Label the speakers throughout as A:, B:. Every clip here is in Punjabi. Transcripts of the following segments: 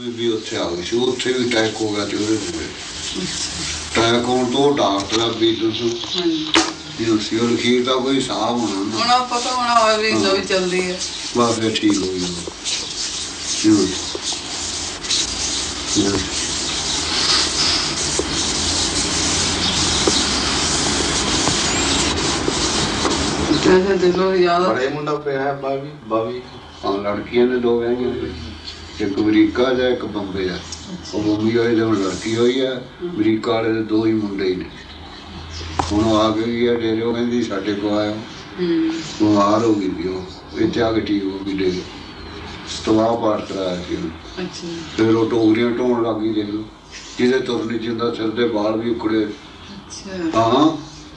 A: ਬੀਬੀ ਉੱਥੇ ਆ ਗਈ ਸੀ, ਉੱਥੇ ਵੀ ਅਟੈਕ ਹੋ ਗਿਆ ਤੇ ਉਹਦੇ ਅਟੈਕ ਹੋਣ ਤੋਂ ਡਾਕਟਰ ਵੀ ਸੀ ਉਹ ਲਖੀਰ ਦਾ ਕੋਈ ਹਿਸਾਬ ਹੋਣਾ
B: ਹੁਣ ਪਤਾ ਹੋਣਾ ਹੋਇਆ ਵੀ ਨਵੀਂ ਚੱਲਦੀ ਹੈ
A: ਬਸ ਫਿਰ ਠੀਕ ਹੋ ਗਿਆ।
B: ਦਿਲੋਂ ਯਾਦ
C: ਬੜੇ ਮੁੰਡਾ ਪਿਆ ਬਾਵੀ
A: ਹਾਂ ਲੜਕੀਆਂ ਨੇ ਦੋ ਵਿਆਹੀਆਂ, ਇੱਕ ਅਮਰੀਕਾ ਜਾਂ ਇੱਕ ਬੰਬੇ ਆ। ਉਹ ਬੰਬੀ ਵਾਲੇ ਦੇ ਹੁਣ ਲੜਕੀ ਹੋਈ ਆ, ਅਮਰੀਕਾ ਵਾਲੇ ਦੇ ਦੋ ਹੀ ਮੁੰਡੇ ਹੀ ਨੇ। ਹੁਣ ਆ ਗਈ ਆ ਡੇਰੇ, ਉਹ ਕਹਿੰਦੀ ਸਾਡੇ ਕੋਲ ਆਇਆ, ਬਿਮਾਰ ਹੋ ਗਈ ਸੀ ਉਹ, ਇੱਥੇ ਆ ਕੇ ਠੀਕ ਹੋ ਗਈ ਡੇਰੇ। ਸਤਵਾਹ ਪਾਠ ਕਰਾਇਆ ਸੀ ਉਹਨੂੰ, ਫਿਰ ਉਹ ਟੋਕਰੀਆਂ ਢੋਣ ਲੱਗ ਗਈ। ਦੇਖ ਲਓ ਜਿਹਦੇ ਤੁਰ ਨਹੀਂ ਜਾਂਦਾ, ਸਿਰ ਦੇ ਵਾਲ ਵੀ ਉਖੜੇ। ਹਾਂ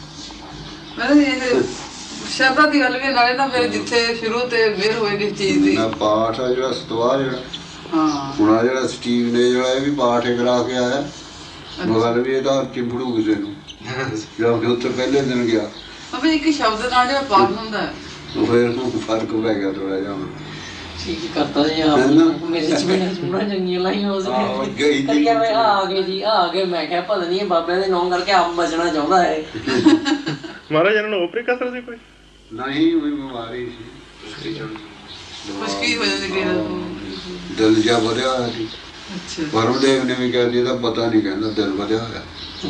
B: ਸ਼ਰਧਾ ਦੀ ਗੱਲ ਵੀ ਨਾਲੇ ਨਾ ਫਿਰ ਜਿੱਥੇ ਸ਼ੁਰੂ ਤੇ ਮਿਹਰ ਹੋਏ ਕਿਸ ਚੀਜ਼ ਦੀ
A: ਪਾਠ ਆ ਜਿਹੜਾ ਸਤਵਾਹ ਜਿਹੜਾ ਹੁਣ ਆ ਜਿਹੜਾ ਸਟੀਵ ਨੇ ਜਿਹੜਾ ਇਹ ਵੀ ਪਾਠ ਕਰਾ ਕੇ ਆਇਆ, ਮਗਰ ਵੀ ਇਹਦਾ ਚਿੰਬੜੂ ਕਿਸੇ ਨੂੰ ਜਾ ਕੇ ਉੱਥੇ ਪਹਿਲੇ ਦਿਨ ਗਿਆ।
B: ਅਬੇ ਇੱਕ ਸ਼ਬਦ ਨਾਲ ਜਿਹੜਾ ਪਾਠ ਹੁੰਦਾ ਹੈ
A: ਉਹ ਫਿਰ ਫਰਕ ਪੈ ਗਿਆ ਥੋੜਾ ਜਿਹਾ।
D: ਠੀਕ ਕਰਤਾ ਜੀ ਆਪ ਮੇਰੇ ਚ ਬੜਾ ਸੋਹਣਾ ਚੰਗੀਆਂ ਲਾਈਆਂ ਉਸ ਨੇ ਕਰੀਆ ਮੈਂ ਆ ਗਏ ਜੀ ਆ ਗਏ। ਮੈਂ ਕਿਹਾ ਪਤਾ ਨਹੀਂ ਬਾਬਿਆਂ ਦੇ ਨਾਂ ਕਰਕੇ ਆਪ ਬਚਣਾ ਚਾਹੁੰਦਾ ਹੈ।
E: ਮਹਾਰਾਜ ਇਹਨਾਂ ਨੂੰ ਓਪਰੇ ਕਸਰ ਸੀ ਕੋਈ
A: ਨਹੀਂ, ਉਹ ਬਿਮਾਰੀ ਸੀ,
B: ਖੁਸ਼ਕੀ ਹੋ ਜਾਂਦੀ
A: ਦਿਲ ਜਿਹਾ ਵਧਿਆ ਹੋਇਆ ਸੀ। ਪਰਮਦੇਵ ਨੇ ਵੀ ਕਹਿ ਦਿੱਤਾ ਪਤਾ ਨਹੀਂ, ਕਹਿੰਦਾ ਦਿਲ ਵਧਿਆ ਹੋਇਆ।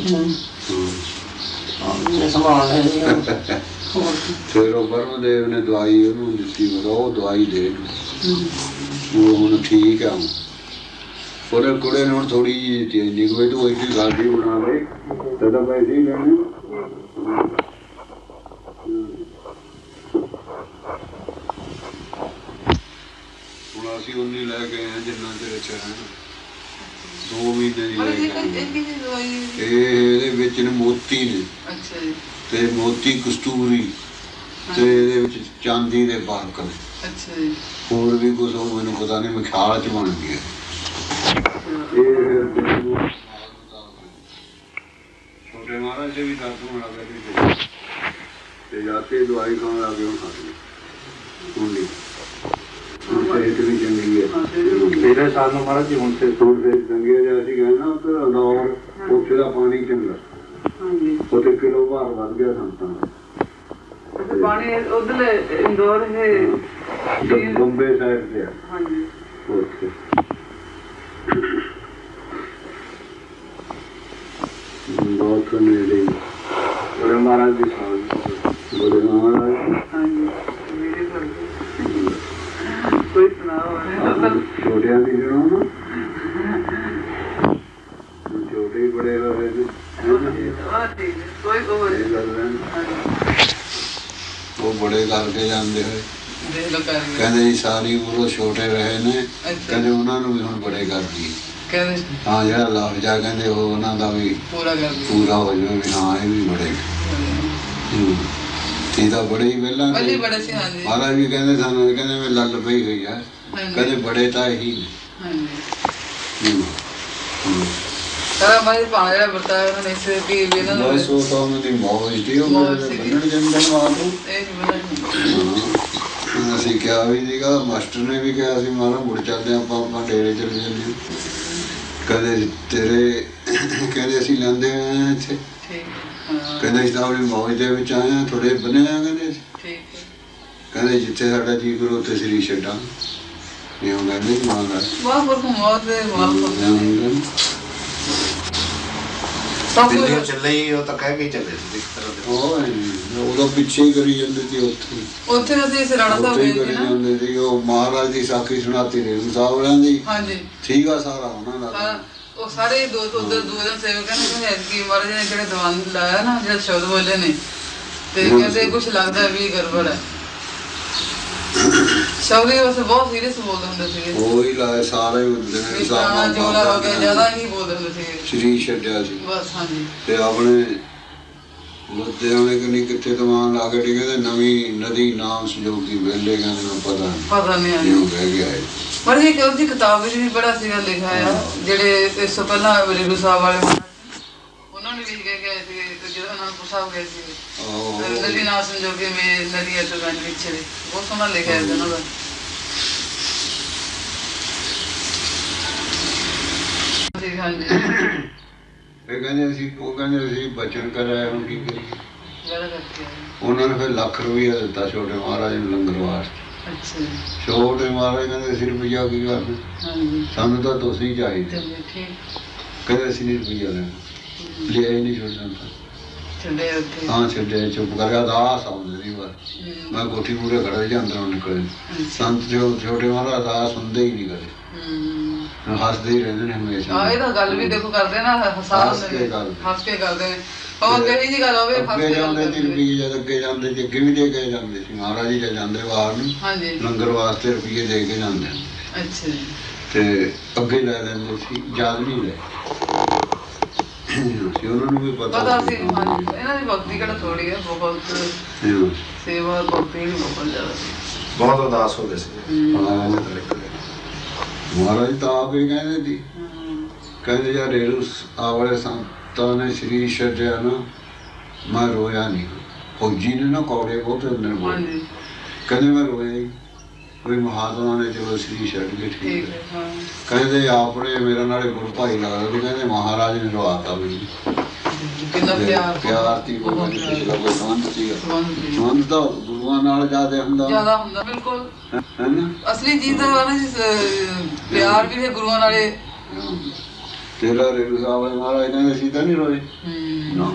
A: ਫਿਰ ਉਹ ਪਰਮਦੇਵ ਨੇ ਦਵਾਈ ਉਹਨੂੰ ਦਿੱਤੀ, ਉਹ ਦਵਾਈ ਦੇ ਉਹ ਹੁਣ ਠੀਕ ਆ। ਉਹਦੇ ਕੁੜੇ ਨੂੰ ਹੁਣ ਥੋੜੀ ਜਿਹੀ ਚੇਂਜ ਨਹੀਂ ਹੋਈ, ਤੂੰ ਇੱਕ ਗੱਲ ਵੀ ਬਣਾ ਲਈ ਤਾਂ ਪੈਸੇ ਹੀ ਲੈਣੇ। ਹੁਣ ਅਸੀਂ ਉਨੀ ਲੈ ਕੇ ਆਏ ਜਿੰਨਾ ਚਿਰ ਚ 2 ਮਹੀਨੇ ਦੀ ਇਹਦੇ ਵਿੱਚ ਨੇ ਮੋਤੀ ਨੇ ਤੇ ਮੋਤੀ ਕਸਤੂਰੀ ਤੇ ਇਹਦੇ ਵਿੱਚ ਚਾਂਦੀ ਦੇ ਬਾਰਕ ਨੇ, ਹੋਰ ਵੀ ਕੁਛ ਉਹ ਮੈਨੂੰ ਪਤਾ ਨਹੀਂ, ਮੈਂ ਖਿਆਲ ਚ ਬਣ ਗਿਆ। ਛੋਟੇ ਮਹਾਰਾਜ ਦੇ ਵੀ ਦਰਦ ਹੋਣ ਲੱਗ ਗਏ ਤੇ ਜਾ ਕੇ ਦਵਾਈ ਖਾਣ ਲੱਗ ਗਏ। ਹੁਣ ਸਿਹਤ ਵੀ ਚੰਗੀ ਹੈ। ਪਹਿਲੇ ਸਾਲ ਨੂੰ ਮਹਾਰਾਜ ਜੀ ਹੁਣ ਤੇ ਥੋੜੀ ਦੇਰ ਚੰਗੀ ਹੈ। ਜੇ ਅਸੀਂ ਗਏ ਨਾ ਉੱਧਰ ਅਨੌਰ, ਉੱਥੇ ਦਾ ਪਾਣੀ ਚੰਗਾ, ਉੱਥੇ ਕਿਲੋ ਭਾਰ ਵੱਧ ਗਿਆ ਸੰਤਾਂ ਦਾ
B: ਪਾਣੀ। ਉਧਰਲੇ ਇੰਦੌਰ ਹੈ
A: ਬੰਬੇ ਸਾਈਡ ਤੇ ਆ ਉੱਥੇ ਬਹੁਤ ਨੇੜੇ ਬੜੇ ਮਹਾਰਾਜ ਦੀ ਸਾਲ ਬੜੇ ਮਹਾਰਾਜ
B: ਕੋਈ ਸੁਣਾਓ
A: ਛੋਟਿਆਂ ਦੀ ਸੁਣੋ ਨਾ, ਛੋਟੇ ਹੀ ਬੜੇ ਰਹੇ ਨੇ।
B: ਕੋਈ
A: ਉਹ ਬੜੇ ਕਰਕੇ ਜਾਂਦੇ ਹੋਏ ਕਹਿੰਦੇ ਜੀ ਸਾਰੀ ਉਮਰ ਉਹ ਛੋਟੇ ਰਹੇ ਨੇ, ਕਹਿੰਦੇ ਉਹਨਾਂ ਨੂੰ ਵੀ ਹੁਣ ਬੜੇ ਕਰਦੀ। ਹਾਂ ਜਿਹੜਾ ਲਫ਼ਜ਼ ਆ ਕਹਿੰਦੇ ਉਹ ਉਹਨਾਂ ਦਾ ਵੀ ਪੂਰਾ ਹੋ ਜਾਵੇ ਵੀ ਹਾਂ ਇਹ ਵੀ ਬੜੇ ਸੀ ਤਾਂ ਬੜੇ ਹੀ ਪਹਿਲਾਂ ਮਹਾਰਾਜ ਵੀ ਕਹਿੰਦੇ ਸਾਨੂੰ, ਕਹਿੰਦੇ ਮੈਂ ਲੱਲ ਪਈ ਹੋਈ ਆ, ਕਹਿੰਦੇ ਬੜੇ ਤਾਂ ਇਹੀ ਅਸੀਂ ਕਿਹਾ ਵੀ ਸੀਗਾ, ਮਾਸਟਰ ਨੇ ਵੀ ਕਿਹਾ ਸੀ ਮਹਾਰਾਜ ਮੁੜ ਚੱਲਦੇ ਆਪਾਂ ਡੇਰੇ ਚਲੇ ਜਾਂਦੇ। ਕਹਿੰਦੇ ਤੇਰੇ ਕਹਿੰਦੇ ਅਸੀਂ ਲੈਂਦੇ ਆਏ ਇੱਥੇ, ਕਹਿੰਦੇ ਅਸੀਂ ਤਾਂ ਆਪਣੀ ਮੌਜ ਦੇ ਵਿੱਚ ਆਏ ਹਾਂ, ਥੋੜੇ ਬਣੇ ਆ। ਕਹਿੰਦੇ ਜਿੱਥੇ ਸਾਡਾ ਜੀ ਕਰੋ ਉੱਥੇ ਸਰੀਰ ਛੱਡਾਂ। ਇਉਂ ਕਹਿੰਦੇ ਮਹਾਰਾਜ
C: ਦਿੱਲੀ ਚੱਲੇ ਹੀ, ਉਹ ਤਾਂ ਕਹਿ ਕੇ ਚੱਲੇ ਸੀ
A: ਉਹਦਾ ਪਿੱਛੇ ਹੀ ਕਰੀ ਜਾਂਦੇ ਸੀ। ਉੱਥੇ ਕਰੀ ਜਾਂਦੇ ਸੀ। ਉਹ ਮਹਾਰਾਜ ਦੀ ਸਾਖੀ ਸੁਣਾਤੀ ਰੇਰੂ ਸਾਹਿਬ ਵਾਲਿਆਂ ਦੀ ਠੀਕ ਆ ਸਾਰਾ ਉਹਨਾਂ ਦਾ।
B: ਉਹ ਸਾਰੇ ਉਧਰ ਦੋ ਦਿਨ ਸੇਵਕ ਨੇ ਕਿ ਮਹਾਰਾਜ ਨੇ ਜਿਹੜੇ ਦੀਵਾਨ ਲਾਇਆ ਨਾ, ਜਿਹੜਾ ਸ਼ਬਦ ਬੋਲੇ ਨੇ ਤੇ ਕਹਿੰਦੇ ਕੁਛ ਲੱਗਦਾ ਵੀ ਗੜਬੜ ਹੈ। ਸ਼ਬਦ ਵੈਸੇ ਬਹੁਤ ਸੀਰੀਅਸ ਬੋਲਦੇ ਹੁੰਦੇ ਸੀਗੇ।
A: ਉਹ ਹੀ ਲਾਏ ਸਾਰੇ
B: ਜੋੜਾ ਹੋ ਗਿਆ, ਜ਼ਿਆਦਾ ਹੀ ਬੋਲਦੇ ਹੁੰਦੇ ਸੀਗੇ।
A: ਸਰੀਰ ਛੱਡਿਆ ਸੀ
B: ਬਸ। ਹਾਂਜੀ
A: ਤੇ ਆਪਣੇ ਲੁਧਿਆਣੇ ਕਿੰਨੀ ਕਿੱਥੇ ਦਵਾਨ ਲਾ ਕੇ ਟਿਕੇ ਤੇ ਨਵੀਂ ਨਦੀ ਨਾਮ ਸੰਜੋਗ ਦੀ ਵੇਲੇ ਕਹਿੰਦੇ ਨੂੰ ਪਤਾ ਨਹੀਂ ਬਹਿ ਗਿਆ।
B: ਪਰ ਇੱਕ ਉਹਦੀ ਕਿਤਾਬ ਵਿੱਚ ਵੀ ਬੜਾ ਸੀਗਾ ਲਿਖਿਆ ਆ, ਜਿਹੜੇ ਇਸ ਤੋਂ ਪਹਿਲਾਂ ਰੇਰੂ ਸਾਹਿਬ ਵਾਲੇ ਉਹਨਾਂ ਨੇ ਵੀ ਗਏ ਸੀਗੇ, ਜਦੋਂ ਅਨੰਦਪੁਰ ਸਾਹਿਬ ਗਏ ਸੀਗੇ, ਨਦੀ ਨਾਮ ਸੰਜੋਗੀ ਮੇ ਨਦੀ ਅਟਲ ਪਿੱਛੇ ਬਹੁਤ ਸੋਹਣਾ ਲਿਖਿਆ ਉਹਨਾਂ ਦਾ। ਸੀ ਹਾਂਜੀ
A: ਇਹ ਕਹਿੰਦੇ ਅਸੀਂ ਉਹ ਕਹਿੰਦੇ ਅਸੀਂ ਬਚਨ ਕਰਾਇਆ ਹੁਣ ਕੀ ਕਰੀਏ
B: ਜ਼ਿਆਦਾ ਕਰਕੇ
A: ਉਹਨਾਂ ਨੇ ਫਿਰ ਲੱਖ ਰੁਪਈਆ ਦਿੱਤਾ ਛੋਟੇ ਮਹਾਰਾਜ ਨੂੰ ਲੰਗਰ ਵਾਸਤੇ
B: ਅੱਛਾ ਜੀ
A: ਛੋਟੇ ਮਹਾਰਾਜ ਕਹਿੰਦੇ ਅਸੀਂ ਰੁਪਈਆ ਕੀ ਕਰਨਾ
B: ਹਾਂਜੀ
A: ਸਾਨੂੰ ਤਾਂ ਤੁਸੀਂ ਚਾਹੀਦੇ
B: ਚਲਿਏ ਠੀਕ
A: ਕਹਿੰਦੇ ਅਸੀਂ ਨਹੀਂ ਰੁਪਈਆ ਲੈਣਾ ਲਿਆ ਹੀ ਨਹੀਂ ਛੋਟਾ
B: ਚਲੇ ਉੱਥੇ
A: ਹਾਂ ਛੱਡੇ ਚੁੱਪ ਕਰ ਗਿਆ ਦਾਸ ਆਉਂਦੇ ਸੀ ਬਸ ਮੈਂ ਕੋਠੀ ਪੂਰੇ ਖੜੇ ਜਾਂ ਅੰਦਰੋਂ ਨਿਕਲੇ ਸੰਤ ਜੋ ਛੋਟੇ ਮਹਾਰਾਜ ਦਾਸ ਹੁੰਦੇ ਹੀ ਨਹੀਂ ਕਦੇ ਹੱਸਦੇ ਹੀ ਰਹਿੰਦੇ ਨੇ ਹਮੇਸ਼ਾ
B: ਹਾਂ ਇਹ ਤਾਂ ਗੱਲ ਵੀ ਦੇਖੋ ਕਰਦੇ ਨਾ
A: ਹੱਸ ਕੇ ਗੱਲ
B: ਹੱਸ ਕੇ ਕਰਦੇ ਨੇ ਉਹ ਕਹੀ ਜੀ ਗੱਲ ਹੋਵੇ ਹੱਸ
A: ਅੱਗੇ
B: ਕੇ
A: ਜਾਂਦੇ
B: ਗੱਲ
A: ਸੀ ਰੁਪਈਏ ਜਦ ਅੱਗੇ ਜਾਂਦੇ ਸੀ ਅੱਗੇ ਵੀ ਦੇ ਕੇ ਜਾਂਦੇ ਸੀ ਮਹਾਰਾਜ ਜੀ ਜਾਂਦੇ ਬਾਹਰ ਨੂੰ
B: ਹਾਂਜੀ
A: ਲੰਗਰ ਵਾਸਤੇ ਰੁਪਈਏ ਦੇ ਕੇ ਜਾਂਦੇ
B: ਅੱਛਾ ਜੀ
A: ਤੇ ਅੱਗੇ ਲੈ ਲੈਂਦੇ ਸੀ ਯਾਦ ਨਹੀਂ ਲੈ ਸੀ ਉਹਨਾਂ ਨੂੰ ਵੀ
B: ਪਤਾ ਸੀ ਹਾਂਜੀ ਇਹਨਾਂ ਦੀ ਭਗਤੀ ਕਿਹੜਾ ਥੋੜੀ ਹੈ ਬਹੁਤ ਸੇਵਾ ਭਗਤੀ ਵੀ ਬਹੁਤ ਜ਼ਿਆਦਾ ਸੀ
C: ਬਹੁਤ ਉਦਾਸ ਹੋ ਗਏ ਸੀ
A: ਮਹਾਰਾਜ ਤਾਂ ਆਪ ਹੀ ਕਹਿੰਦੇ ਸੀ ਕਹਿੰਦੇ ਯਾਰ ਰੇਰੂ ਆ ਵਾਲੇ ਸੰਤਾਂ ਨੇ ਸਰੀਰ ਛੱਡਿਆ ਨਾ ਮੈਂ ਰੋਇਆ ਨਹੀਂ ਫੌਜੀ ਨੇ ਨਾ ਕੌੜੇ ਬਹੁਤ ਹੁੰਦੇ ਨੇ
B: ਹਾਂਜੀ
A: ਕਹਿੰਦੇ ਮੈਂ ਰੋਇਆ ਹੀ ਕੋਈ ਮਹਾਤਮਾ ਨੇ ਚਲੋ ਸਰੀਰ ਛੱਡ ਕੇ ਠੀਕ
B: ਠੀਕ
A: ਹੈ
B: ਹੈ ਹਾਂ
A: ਕਹਿੰਦੇ ਆਪਣੇ ਮੇਰਾ ਨਾਲੇ ਗੁਰੂ ਭਾਈ ਲੱਗਦਾ ਸੀ ਕਹਿੰਦੇ ਮਹਾਰਾਜ ਨੇ ਰਵਾਤਾ ਮੈਨੂੰ
B: ਕਿੰਨਾ
A: ਪਿਆਰ ਸੀ ਕੋਈ ਮੈਨੂੰ ਪਿਛਲਾ ਕੋਈ ਸੰਬੰਧ ਸੀਗਾ ਸੰਬੰਧ ਤਾਂ ਗੁਰੂਆਂ ਨਾਲ ਜ਼ਿਆਦਾ ਹੁੰਦਾ
B: ਹੁੰਦਾ ਬਿਲਕੁਲ
A: ਹੈ ਨਾ
B: ਅਸਲੀ ਚੀਜ਼ ਤਾਂ ਨਾ ਪਿਆਰ ਵੀ ਹੈ ਗੁਰੂਆਂ ਨਾਲੇ
A: ਤੇਰਾ ਰੇਰੂ ਸਾਹਿਬ ਵਾਲੇ ਮਹਾਰਾਜ ਕਹਿੰਦੇ ਸੀ ਤਾਂ ਨਹੀਂ ਰੋਏ ਨਾ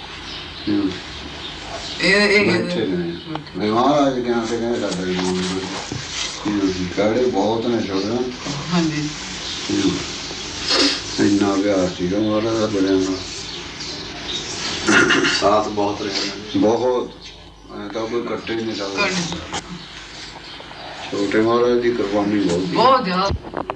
B: ਇਹ
A: ਬੈਠੇ ਨੇ ਮਹਾਰਾਜ ਗਿਆਨ ਤੇ ਕਹਿੰਦੇ ਸਾਡਾ ਹੀ ਮੂਲ ਕਾੜੇ ਬਹੁਤ ਨੇ ਛੋੜਨਾ
B: ਹਾਂਜੀ
A: ਇੰਨਾ ਪਿਆਰ ਸੀਗਾ ਮਹਾਰਾਜ ਦਾ ਬੜਿਆਂ ਨਾਲ
C: ਸਾਥ ਬਹੁਤ ਰਿਹਾ
A: ਬਹੁਤ ਐਂ ਤਾਂ ਕੋਈ ਕੱਟੇ ਨਹੀਂ ਸਕਦਾ ਛੋਟੇ ਮਹਾਰਾਜ ਦੀ ਕੁਰਬਾਨੀ ਬਹੁਤ
B: ਜ਼ਿਆਦਾ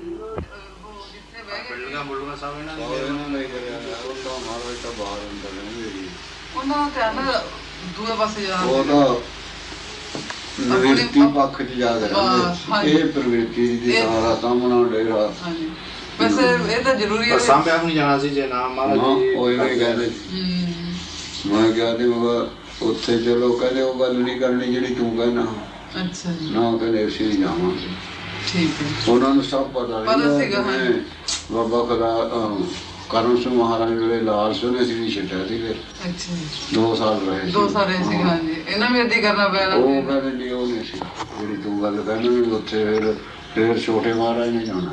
C: ਮੁੱਲੂਗਾ ਸਾਹਿਬ ਇਹਨਾਂ
A: ਮਹਾਰਾਜ ਤਾਂ ਬਾਹਰ ਅੰਦਰ ਰਹਿੰਦੇ
B: ਉਹਨਾਂ ਦਾ ਧਿਆਨ ਦੂਏ ਪਾਸੇ ਜਾਣਾ
A: ਉਹ ਤਾਂ ਨਿਵਰਤੀ ਪੱਖ ਚ ਜਾ ਰਹੇ ਇਹ ਪ੍ਰਵਿਰਤੀ ਦੀ ਸਾਰਾ ਸਾਹਮਣਾ ਡੇਰਾ
B: ਹਾਂਜੀ ਵੈਸੇ ਇਹ ਤਾਂ ਜ਼ਰੂਰੀ ਹੈ
C: ਸਾਹਮਣੇ ਆਪ ਨਹੀਂ ਜਾਣਾ ਸੀ ਜੇ ਨਾ ਮਹਾਰਾਜ ਜੀ
A: ਉਹ ਇਹ ਕਹਿੰਦੇ ਮੈਂ ਕਿਹਾ ਤੇ ਉੱਥੇ ਚਲੋ ਕਹਿੰਦੇ ਉਹ ਗੱਲ ਨਹੀਂ ਕਰਨੀ ਜਿਹੜੀ ਤੂੰ ਕਹਿਣਾ
B: ਅੱਛਾ ਜੀ
A: ਨਾ ਕਹਿੰਦੇ ਅਸੀਂ ਨਹੀਂ ਜਾਵਾਂਗੇ
B: ਠੀਕ ਹੈ
A: ਉਹਨਾਂ ਨੂੰ ਸਭ ਪਤਾ
B: ਸੀਗਾ
A: ਬਾਬਾ ਖੁਦਾ ਕਰਮ ਸਿੰਘ ਮਹਾਰਾਜ ਵੇਲੇ ਲਾਲ ਸਿੰਘ ਨੇ ਸੀ ਛੱਡਿਆ ਸੀ ਫਿਰ
B: ਅੱਛਾ
A: 2 ਸਾਲ ਰਹੇ
B: 2 ਸਾਲ ਰਹੇ ਸੀ ਹਾਂਜੀ ਇਹਨਾਂ ਵੀ ਏਦਾਂ ਕਰਨਾ ਪਿਆ
A: ਉਹ ਕਹਿੰਦੇ ਨਹੀਂ ਉਹ ਨਹੀਂ ਸੀ ਜਿਹੜੀ ਤੂੰ ਗੱਲ ਕਹਿੰਦਾ ਵੀ ਉੱਥੇ ਫਿਰ ਛੋਟੇ ਮਹਾਰਾਜ ਨੇ ਜਾਣਾ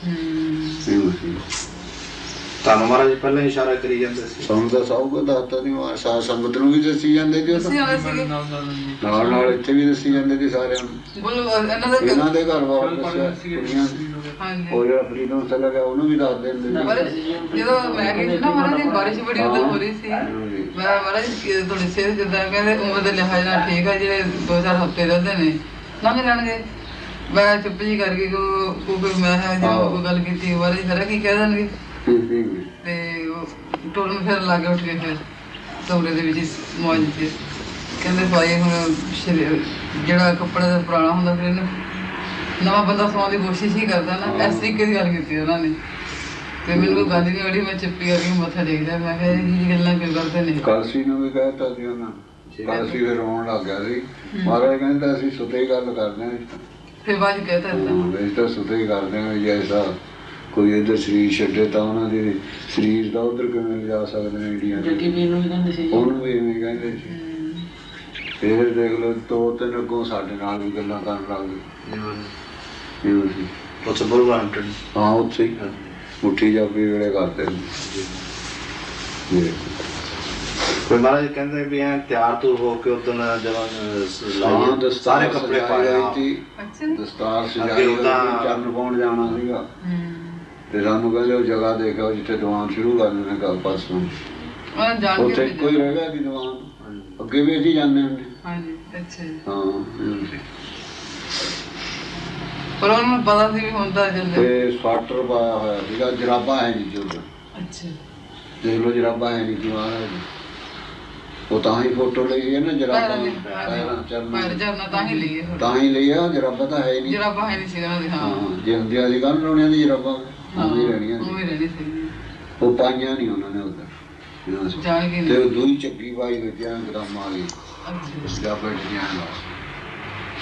C: ਤੁਹਾਨੂੰ ਮਹਾਰਾਜ ਜੀ ਪਹਿਲਾਂ ਇਸ਼ਾਰਾ ਕਰੀ ਜਾਂਦੇ ਸੀ
A: ਸਾਨੂੰ ਤਾਂ ਸਭ ਕੁਝ ਦੱਸਤਾ ਨਹੀਂ ਸਾਧ ਸੰਗਤ ਨੂੰ ਵੀ ਦੱਸੀ ਜਾਂਦੇ ਸੀ ਨਾਲ ਨਾਲ ਇੱਥੇ ਵੀ ਦੱਸੀ ਜਾਂਦੇ ਸੀ ਸਾਰਿਆਂ ਨੂੰ ਇਹਨਾਂ ਦੇ ਘਰ ਬਾਹਰ ਦੱਸਿਆ ਕੁੜੀਆਂ ਉਹ ਜਿਹੜਾ ਫਰੀਦਮ ਸਲਾ ਗਿਆ ਉਹਨੂੰ ਵੀ ਦੱਸ ਦਿੰਦੇ
B: ਜਦੋਂ ਮੈਂ ਗਈ ਸੀ ਨਾ ਮਹਾਰਾਜ ਦੀ ਬਾਰਿਸ਼ ਬੜੀ ਉਦੋਂ ਹੋ ਰਹੀ ਸੀ ਮੈਂ ਮਹਾਰਾਜ ਤੁਹਾਡੀ ਸਿਹਤ ਜਿੱਦਾਂ ਕਹਿੰਦੇ ਉਮਰ ਦੇ ਲਿਹਾਜ਼ ਨਾਲ ਠੀਕ ਹੈ ਜਿਹੜੇ 2-4 ਹਫ਼ਤੇ ਰਹਿੰਦੇ ਨੇ ਲੰਘ ਜਾਣਗੇ ਮੈਂ ਚੁੱਪ ਜੀ ਕਰਕੇ ਕੋਈ ਮੈਂ ਜੋ ਗੱਲ ਕੀਤੀ ਮਹਾਰਾਜ ਖਰਾ ਕੀ ਕਹਿ ਦੇਣਗੇ ਤੇ ਟੋਲ ਨੂੰ ਫਿਰ ਲਾਗੇ ਉੱਠ ਕੇ ਫਿਰ ਕਮਰੇ ਦੇ ਵਿੱਚ ਮੌਜ ਤੇ ਕਹਿੰਦੇ ਭਾਈ ਹੁਣ ਜਿਹੜਾ ਕੱਪੜਾ ਦਾ ਪੁਰਾਣਾ ਹੁੰਦਾ ਫਿਰ ਇਹਨੂੰ ਨਵਾਂ ਬੰਦਾ ਸਵਾਉਣ ਦੀ ਕੋਸ਼ਿਸ਼ ਹੀ ਕਰਦਾ ਨਾ ਇਸ ਤਰੀਕੇ ਦੀ ਗੱਲ ਕੀਤੀ ਉਹਨਾਂ ਨੇ ਤੇ ਮੈਨੂੰ ਕੋਈ ਗੱਲ ਨਹੀਂ ਵੜੀ ਮੈਂ ਚੁੱਪੀ ਕਰਕੇ ਮੱਥਾ ਟੇਕਦਾ ਮੈਂ ਕਿਹਾ ਇਹ ਗੱਲਾਂ ਕਿਉਂ ਕਰਦੇ ਨੇ
A: ਕਾਲਸੀ ਨੂੰ ਵੀ ਕਹਿਤਾ ਸੀ ਉਹਨਾਂ ਕਾਲਸੀ ਫਿਰ ਰੋਣ ਲੱਗ ਗਿਆ ਸੀ ਮਹਾਰਾਜ ਕਹਿੰਦਾ ਅਸੀਂ ਸੁਤੇ ਹੀ ਗੱਲ ਕਰਦੇ ਹਾਂ
B: ਫਿਰ ਬਾਅਦ ਕਹਿਤਾ
A: ਅਸੀਂ ਤਾਂ ਸੁਤੇ ਹੀ ਕਰਦੇ ਹਾਂ ਜੈਸਾ ਕੋਈ ਇੱਧਰ ਸਰੀਰ ਛੱਡੇ ਤਾਂ ਉਹਨਾਂ ਦੇ ਸਰੀਰ ਦਾ ਉੱਧਰ ਕਿਵੇਂ ਲਿਜਾ ਸਕਦੇ ਨੇ ਇੰਡੀਆ ਉਹਨੂੰ ਵੀ ਇਵੇਂ ਕਹਿੰਦੇ ਸੀ ਫਿਰ ਦੇਖ ਲਓ 2-3 ਅੱਗੋਂ ਸਾਡੇ ਨਾਲ ਵੀ ਗੱਲਾਂ ਕਰਨ ਲੱਗ ਗਏ
C: ਉੱਥੇ ਬੁਲਵਰਹੈਂਪਟਨ
A: ਹਾਂ ਉੱਥੇ ਹੀ ਮੁੱਠੀ ਜਾਪੀ ਵੇਲੇ ਕਰਦੇ
C: ਕੋਈ ਮਹਾਰਾਜ ਕਹਿੰਦੇ ਵੀ ਐ ਤਿਆਰ ਤੂਰ ਹੋ ਕੇ ਉਦੋਂ ਜਦੋਂ ਸਾਰੇ ਕੱਪੜੇ ਪਾਏ ਸੀ
A: ਦਸਤਾਰ ਸਜਾਈ ਚਰਨ ਪਾਉਣ ਜਾਣਾ ਸੀਗਾ ਤੇ ਸਾਨੂੰ ਕਹਿੰਦੇ ਉਹ ਜਗ੍ਹਾ ਦੇਖਿਓ ਜਿੱਥੇ ਦੀਵਾਨ ਸ਼ੁਰੂ ਕਰਨੇ ਨੇ ਕੱਲ ਪਰਸੋਂ ਉੱਥੇ ਕੋਈ ਰਹਿ ਗਿਆ ਕਿ ਦੀਵਾਨ ਅੱਗੇ ਵੀ ਅਸੀਂ ਜਾਂਦੇ ਹੁੰਦੇ ਹਾਂ
B: ਪਰ ਉਹਨੂੰ ਪਤਾ ਸੀ ਵੀ ਹੁੰਦਾ
A: ਤੇ ਸਵਾਟਰ ਪਾਇਆ ਹੋਇਆ ਸੀਗਾ ਜਰਾਬਾਂ ਹੈ ਨਹੀਂ ਜੀ ਦੇਖ ਲਓ ਜਰਾਬਾਂ ਹੈ ਨਹੀਂ ਜੀ ਉਹ ਤਾਂ ਹੀ ਫੋਟੋ ਲਈ ਹੈ ਨਾ ਜਰਾਬਾਂ ਤਾਂ ਹੀ ਲਈ ਆ ਜਰਾਬਾਂ ਤਾਂ ਹੈ ਨਹੀਂ ਜੇ ਹੁੰਦੀਆਂ ਸੀ ਕੱਲ੍ਹ ਲਾਉਣੀਆਂ ਦੀ ਜਰਾਬਾਂ ਉਵੇਂ ਰਹਿਣੀਆਂ ਉਹ ਪਾਈਆਂ ਨਹੀਂ ਉਹਨਾਂ ਨੇ ਉੱਧਰ ਤੇ ਉਹ ਦੂਈ ਚੱਕੀ ਪਾਈ ਬੱਚਿਆਂ ਗਦਾਮਾਂ ਵਾਲੀ ਜਰਾਬਾਂ ਡੀਆਂ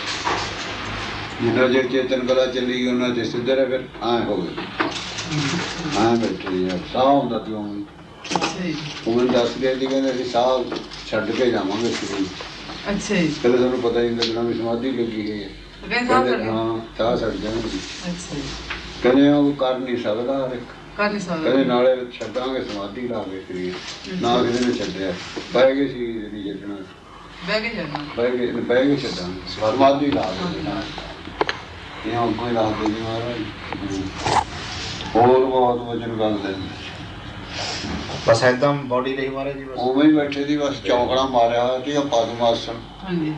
A: ਜਿੰਨਾ ਚਿਰ ਚੇਤਨ ਕਲਾ ਚੱਲੀ ਉਹਨਾਂ ਦੇ ਸਿੱਧਰ ਫਿਰ ਐਂ ਹੋ ਗਏ ਹਾਂ ਬੈਠੇ ਯਾਰ ਸਾਹ ਹੁੰਦਾ ਪਿਆ ਮੈਨੂੰ।
B: ਅੱਛਾ ਜੀ।
A: ਉਹ ਮੈਨੂੰ ਦੱਸ ਗਿਆ ਸੀ ਕਹਿੰਦੇ ਅਸੀਂ ਸਾਹ ਛੱਡ ਕੇ ਜਾਵਾਂਗੇ ਸਰੀਰ।
B: ਅੱਛਾ ਜੀ।
A: ਕਹਿੰਦੇ ਤੁਹਾਨੂੰ ਪਤਾ ਹੀ ਨਹੀਂ ਲੱਗਣਾ ਵੀ ਸਮਾਧੀ ਲੱਗੀ ਗਈ ਹੈ। ਕਹਿੰਦੇ ਹਾਂ ਸਾਹ ਛੱਡ ਜਾਣਗੇ।
B: ਅੱਛਾ ਜੀ।
A: ਕਹਿੰਦੇ ਉਹ ਕਰ ਨਹੀਂ ਸਕਦਾ ਹਰ ਇੱਕ।
B: ਕਰ ਨਹੀਂ ਸਕਦਾ।
A: ਕਹਿੰਦੇ ਨਾਲੇ ਛੱਡਾਂਗੇ ਸਮਾਧੀ ਲਾ ਕੇ ਸਰੀਰ। ਨਾ ਕਿਸੇ ਨੇ ਛੱਡਿਆ ਬਹਿ ਗਏ ਸਰੀਰ ਨਹੀਂ ਛੱਡਣਾ।
B: ਬਹਿ ਕੇ ਛੱਡਣਾ।
A: ਬਹਿ ਕੇ ਛੱਡਾਂਗੇ ਸਮਾਧੀ ਲਾ ਕੇ ਇਹ ਅੱਗੋਂ ਹੀ ਰੱਖਦੇ ਜੀ ਮਹਾਰਾਜ। ਹੋਰ ਬਹੁਤ ਵਜਨ ਗੱਲ ਦਿੰਦੇ
C: ਬਸ ਏਦਾਂ ਬੋਡੀ ਲਈ ਮਹਾਰਾਜ ਜੀ ਬਸ
A: ਉਵੇਂ ਹੀ ਬੈਠੇ ਦੀ ਬਸ ਚੌਂਕੜਾ ਮਾਰਿਆ ਹੋਇਆ ਸੀ ਪਦਮ ਆਸਣ।
B: ਹਾਂਜੀ।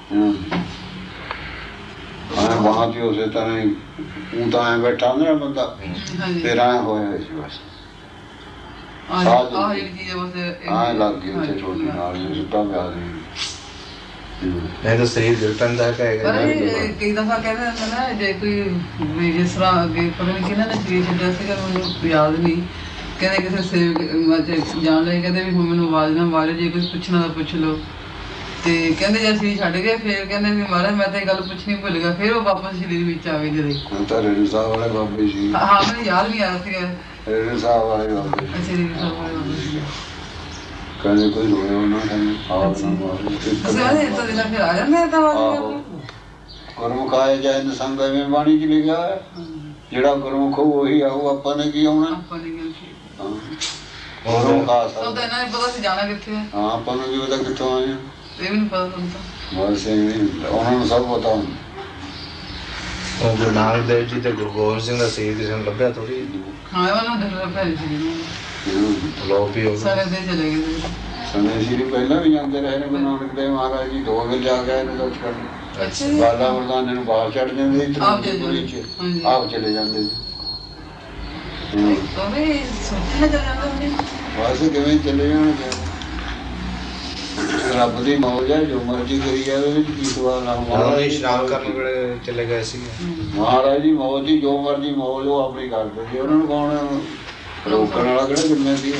A: ਵਹਾਂ ਤੇ ਉਸੇ ਤਰ੍ਹਾਂ ਹੀ ਉਹ ਤਾਂ ਐਂ ਬੈਠਾ ਹੁੰਦਾ ਨਾ ਬੰਦਾ ਫਿਰ ਐਂ ਹੋਇਆ ਸੀ ਬਸ।
B: ਆਹ ਜਿਹੜੀ ਚੀਜ਼ ਬਸ
A: ਐਂ ਲੱਗ ਗਈ ਉੱਥੇ ਛੋਟੀ ਨਾਲ ਸੁੱਤਾ ਪਿਆ ਸੀ।
C: ਨਹੀਂ ਤਾਂ ਸਰੀਰ ਜੁਟਣ ਦਾ
B: ਪਰ ਕਈ ਦਫਾ ਕਹਿੰਦੇ ਹੁੰਦੇ ਨਾ ਜੇ ਕੋਈ ਵੀ ਜਿਸ ਤਰ੍ਹਾਂ ਅੱਗੇ ਪਤਾ ਨਹੀਂ ਕਿਹਨਾਂ ਨੇ ਸਰੀਰ ਛੱਡਿਆ ਸੀਗਾ ਮੈਨੂੰ ਯਾਦ ਨਹੀਂ। ਕਹਿੰਦੇ ਕਿਸੇ ਸੇਵਕ ਜਾਣ ਲਈ ਕਹਿੰਦੇ ਵੀ ਹੁਣ ਮੈਨੂੰ ਆਵਾਜ਼ ਨਾ ਮਾਰਿਓ ਜੇ ਕੁਝ ਪੁੱਛਣਾ ਤਾਂ ਪੁੱਛ ਲਓ। ਤੇ ਕਹਿੰਦੇ ਜੇ ਸਰੀਰ ਛੱਡ ਗਏ ਫਿਰ ਕਹਿੰਦੇ ਵੀ ਮਹਾਰਾਜ ਮੈਂ ਤਾਂ ਇਹ ਗੱਲ ਪੁੱਛਣੀ ਭੁੱਲ ਗਿਆ ਫਿਰ ਉਹ ਵਾਪਸ ਸਰੀਰ ਵਿੱਚ ਆ ਗਏ ਜਦੋਂ।
A: ਤਾਂ ਰੇਣੂ ਸਾਹਿਬ ਵਾਲੇ ਬਾਬੇ ਸੀ।
B: ਹਾਂ ਮੈਨੂੰ ਯਾਦ ਨਹੀਂ ਆ ਰਿਹਾ ਸੀਗਾ।
A: ਰੇਣੂ ਸਾਹਿਬ ਵਾਲੇ ਬਾਬੇ
B: ਅੱਛਾ ਰੇਣੂ ਸਾਹਿਬ ਵਾਲੇ ਬਾਬੇ ਸੀਗੇ।
A: ਕਹਿੰਦੇ ਕੋਈ ਰੋਇਆ ਉਹਨਾਂ ਕਹਿੰਦੇ ਆਹ ਨਾ ਮਾਰੋ।
B: ਤਾਂ ਦਿਨਾਂ ਫਿਰ ਆ ਜਾਂਦੇ ਤਾਂ
A: ਗੁਰਮੁਖ ਆਏ ਜਾਏ ਨ ਸੰਗ ਐਵੇਂ ਬਾਣੀ ਚ ਲਿਖਿਆ ਹੈ ਜਿਹੜਾ ਗੁਰਮੁਖ ਉਹੀ ਆਊ ਆਪਾਂ ਨੇ ਕੀ ਆਉਣਾ।
B: ਆਪਾਂ ਨੇ ਗੱਲ ਕੀਤੀ।
A: ਗੁਰਮੁਖ ਆ
B: ਤਾਂ ਇਹਨਾਂ ਨੇ ਪਤਾ ਸੀ ਜਾਣਾ ਕਿੱਥੇ ਹੈ।
A: ਹਾਂ ਆਪਾਂ ਨੂੰ ਕੀ ਪਤਾ ਕਿੱਥੋਂ ਆਏ ਆ।
B: ਇਹ ਵੀ ਨਹੀਂ ਪਤਾ ਤੁਹਾਨੂੰ ਤਾਂ।
A: ਬਸ ਉਹਨਾਂ ਨੂੰ ਸਭ ਪਤਾ ਹੁੰਦਾ।
C: ਉਹ ਗੁਰੂ ਨਾਨਕ ਦੇਵ ਜੀ ਤੇ ਗੁਰੂ ਗੋਬਿੰਦ ਸਿੰਘ ਦਾ ਸਰੀਰ ਕਿਸੇ ਨੂੰ ਲੱਭਿਆ ਥੋੜੀ।
B: ਹਾਂ ਉਹਨਾਂ ਨੂੰ ਡਰ ਪੈ ਸੀ
C: ਲੋਕ ਵੀ ਹੋ
B: ਸਾਰੇ ਦੇ ਚਲੇ ਗਏ।
A: ਸਮੇਂ ਸੀ ਪਹਿਲਾਂ ਵੀ ਜਾਂਦੇ ਰਹੇ ਨੇ ਗੁਰੂ ਨਾਨਕ ਦੇਵ ਮਹਾਰਾਜ ਜੀ 2 ਵਾਰ ਜਾ ਕੇ ਇਹਨੇ ਦਰਸ਼ਨ ਕਰਨ।
B: ਅੱਛਾ
A: ਬਾਲਾ ਮਰਦਾਨੇ ਨੂੰ ਬਾਹਰ ਛੱਡ ਦਿੰਦੇ ਸੀ ਤ੍ਰਿਪੁਰੀ ਚ ਆਪ ਚਲੇ ਜਾਂਦੇ ਸੀ।
B: ਸੋਚਣਾ ਚੱਲ ਜਾਂਦਾ ਹੁੰਦੇ।
A: ਬਸ ਕਿਵੇਂ ਚਲੇ ਜਾਣਗੇ। ਰੱਬ ਦੀ ਮੌਜ ਹੈ ਜੋ ਮਰਜ਼ੀ ਕਰੀ ਜਾਵੇ ਉਹਦੇ ਵਿੱਚ ਕੀ ਸਵਾਲ ਆ।
C: ਮਹਾਰਾਜ ਇਸ਼ਨਾਨ ਕਰਨ ਵੇਲੇ ਚਲੇ ਗਏ ਸੀ।
A: ਮਹਾਰਾਜ ਦੀ ਮੌਜ ਦੀ ਜੋ ਮਰਜ਼ੀ ਮੌਜ ਉਹ ਆਪਣੀ ਕਰਦੇ ਸੀ। ਉਹਨਾਂ ਨੂੰ ਕੌਣ ਰੋਕਣ ਵਾਲਾ ਕਿਹੜਾ ਜੰਮਿਆ ਸੀ।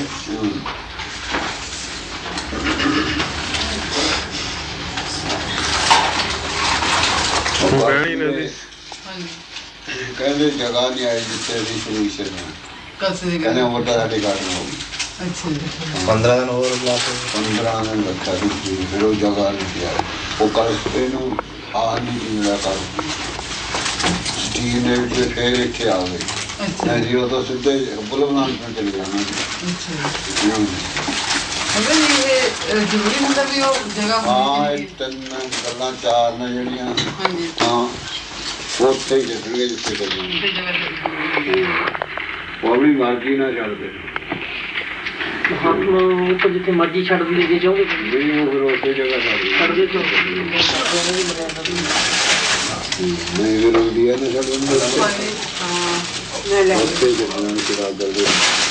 A: ਕਹਿੰਦੇ ਜਗ੍ਹਾ ਨਹੀਂ ਆਈ ਜਿੱਥੇ ਅਸੀਂ ਸ਼ੁਰੂ ਸੀ। ਕਹਿੰਦੇ ਉਮਰ ਤਾਂ ਸਾਡੇ ਘੱਟ ਨਾ ਹੋਊਗੀ।
C: 15 ਦਿਨ ਹੋਰ ਲਾ ਕੇ
A: 15 ਦਿਨ ਰੱਖਿਆ ਸੀ ਫਿਰ ਉਹ ਜਗ੍ਹਾ ਨਹੀਂ ਪਿਆ। ਉਹ ਕੱਲ ਇਹਨੂੰ ਆ ਨਹੀਂ ਮਿਲਿਆ ਕਰ ਸਟੀਲ ਦੇ ਵਿੱਚ ਫੇਰ ਇੱਥੇ ਆ ਗਏ। ਨਹੀਂ ਉਹ ਤਾਂ ਸਿੱਧੇ ਬੁਲਬੁਲਾਂ ਨੂੰ ਚਲੇ ਜਾਣਾ। ਹਾਂ ਇਹ 3 ਗੱਲਾਂ 4 ਨੇ ਜਿਹੜੀਆਂ ਹਾਂ ਉੱਥੇ ਹੀ ਲੱਗਣਗੇ ਜਿੱਥੇ ਕਰਨੀ ਉਹ ਆਪਣੀ ਮਰਜ਼ੀ ਨਾਲ ਛੱਡਦੇ।
D: ਜਿੱਥੇ ਮਰਜ਼ੀ ਛੱਡ ਦਿੰਦੇ ਜੇ ਚਾਹੋਗੇ
A: ਨਹੀਂ ਉਹ ਫਿਰ ਉਸੇ ਜਗ੍ਹਾ ਛੱਡ ਦੇ ਨਹੀਂ ਫਿਰ ਇੰਡੀਆ ਨੇ ਛੱਡ ਦਿੰਦੇ ਉੱਥੇ ਜਗ੍ਹਾ ਨੂੰ ਚੜਾ ਕਰਦੇ।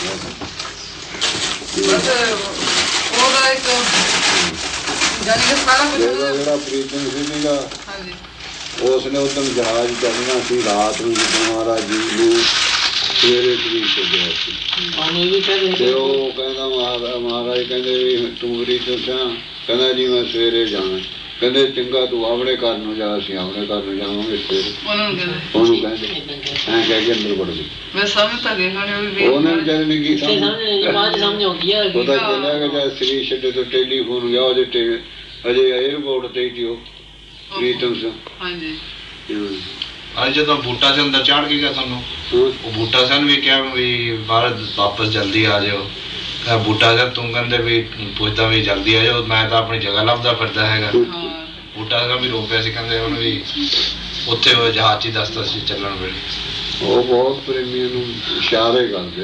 B: ਉਹਦਾ ਇੱਕ ਜਾਨੀ ਕਿ ਸਾਰਾ ਕੁਝ
A: ਜਿਹੜਾ ਪ੍ਰੀਤਮ ਸੀਗਾ ਉਸਨੇ ਉਦੋਂ ਜਹਾਜ਼ ਚੱਲਣਾ ਸੀ ਰਾਤ ਨੂੰ ਜਦੋਂ ਮਹਾਰਾਜ ਜੀ ਨੂੰ ਸਵੇਰੇ ਤਰੀਕ ਛੱਡਿਆ ਸੀ। ਤੇ ਉਹ ਕਹਿੰਦਾ ਮਹਾਰਾਜ ਕਹਿੰਦੇ ਵੀ ਤੂੰ ਪ੍ਰੀਤਮ ਸਿਆ ਕਹਿੰਦਾ ਜੀ ਮੈਂ ਸਵੇਰੇ ਜਾਣਾ। ਕਹਿੰਦੇ ਚੰਗਾ ਤੂੰ ਆਪਣੇ ਘਰ ਨੂੰ ਜਾ ਅਸੀਂ ਆਪਣੇ ਘਰ ਨੂੰ ਜਾਵਾਂਗੇ ਸਵੇਰੇ। ਉਹਨੂੰ ਕਹਿੰਦੇ ਐਂ ਕਹਿ ਕੇ ਅੰਦਰ ਵੜ ਗਈ। ਉਹਨੇ ਵਿਚਾਰੇ ਨੇ ਕੀ ਸਮਝ ਪਤਾ ਚੱਲਿਆ ਕਿ ਜਦ ਸਰੀਰ ਛੱਡੇ ਤੋਂ ਟੈਲੀਫੋਨ ਗਿਆ ਉਹਦੇ ਅਜੇ ਏਅਰਪੋਰਟ ਤੇ ਹੀ ਉਹ ਪ੍ਰੀਤਮ ਸਿੰਘ।
C: ਅੱਜ ਜਦੋਂ ਬੂਟਾ ਸਿੰਘ ਅੰਦਰ ਚੜ੍ਹ ਗਿਆ ਤੁਹਾਨੂੰ ਉਹ ਬੂਟਾ ਸਿੰਘ ਵੀ ਕਿਹਾ ਵੀ ਬਾਹਰ ਵਾਪਸ ਜਲਦੀ ਆ ਜਾਓ। ਬੂਟਾ ਸਿੰਘ ਤੂੰ ਕਹਿੰਦੇ ਵੀ ਪੁੱਛਦਾ ਵੀ ਜਲਦੀ ਆ ਜਾਓ ਮੈਂ ਤਾਂ ਆਪਣੀ ਜਗ੍ਹਾ ਲੱਭਦਾ ਫਿਰਦਾ ਹੈਗਾ। ਬੂਟਾ ਸਿੰਘ ਵੀ ਰੋ ਪਿਆ ਸੀ ਕਹਿੰਦੇ ਉਹਨੂੰ ਵੀ ਉੱਥੇ ਉਹ ਜਹਾਜ਼ 'ਚ ਹੀ ਦੱਸਦਾ ਸੀ ਚੱਲਣ ਵੇਲੇ।
A: ਉਹ ਬਹੁਤ ਪ੍ਰੇਮੀਆਂ ਨੂੰ ਇਸ਼ਾਰੇ ਕਰਦੇ।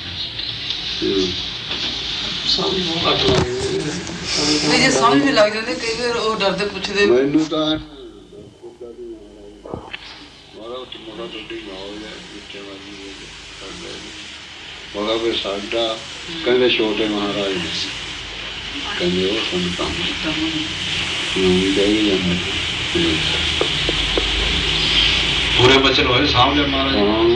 B: ਜੇ ਸਮਝ ਨਹੀਂ ਲੱਗ ਜਾਂਦੇ ਕਈ ਵਾਰ ਉਹ ਡਰਦੇ ਪੁੱਛਦੇ
A: ਮੈਨੂੰ ਤਾਂ ਉਹਦਾ ਫਿਰ ਸਾਡਾ ਕਹਿੰਦੇ ਛੋਟੇ ਮਹਾਰਾਜ ਨੇ ਕਹਿੰਦੇ ਉਹ ਸੰਤਾਂ
C: ਪੂਰੇ ਬਚਨ ਹੋਏ ਸਾਹਮਣੇ ਮਹਾਰਾਜ